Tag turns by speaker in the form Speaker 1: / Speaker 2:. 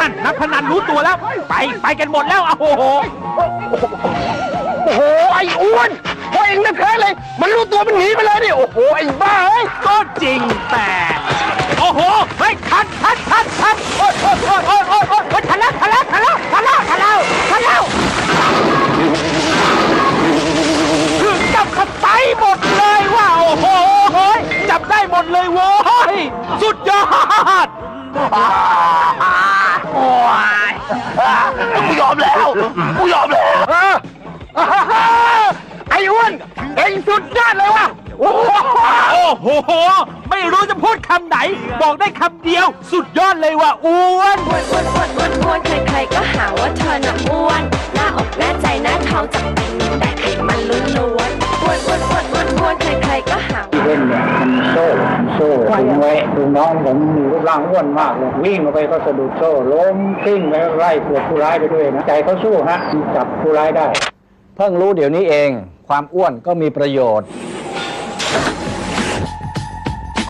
Speaker 1: นั่นนักพนันรู้ตัวแล้วไปกันหมดแล้วโอ้โห
Speaker 2: ไอ้อ้วนพอเองแท้เลยมันรู้ตัวมันหนีไปเลยดิโอ้โหไอ้บ้าเอ้ย
Speaker 1: ก็จริงแต่โอ้โหเฮ้ยทันโอ้ยทันแล้วคือจับขับไปหมดเลยว่าโอ้โหจับได้หมดเลยโว้ยสุดยอด
Speaker 2: โอ้ยกูยอมแล้วไอ้อ้วนเองสุดยอดเลยว่ะ
Speaker 1: โอ้โหไม่รู้จะพูดคำไหนบอกได้คำเดียวสุดยอดเลยว่าอ้วน
Speaker 3: ใครๆก็หาว่าเธอน่ะอ้วนหน้าอกหน้าใจหน้าท้องจับเป็นแต่ไขมันล้วนอ้วนใครๆก็หา
Speaker 4: ที่เล่นเนี่ยมันโซ่ถึงไว้ดูน้องผมมีรูปร่างอ้วนมากเลยวิ่งออกไปก็สะดุดโซ่ล้มกลิ้งไปไล่ปวดผู้ร้ายไปด้วยนะใจเขาสู้ฮะจับผู้ร้ายได้เพิ่งรู้เดี๋ยวนี้เองความอ้วนก็มีประโยชน์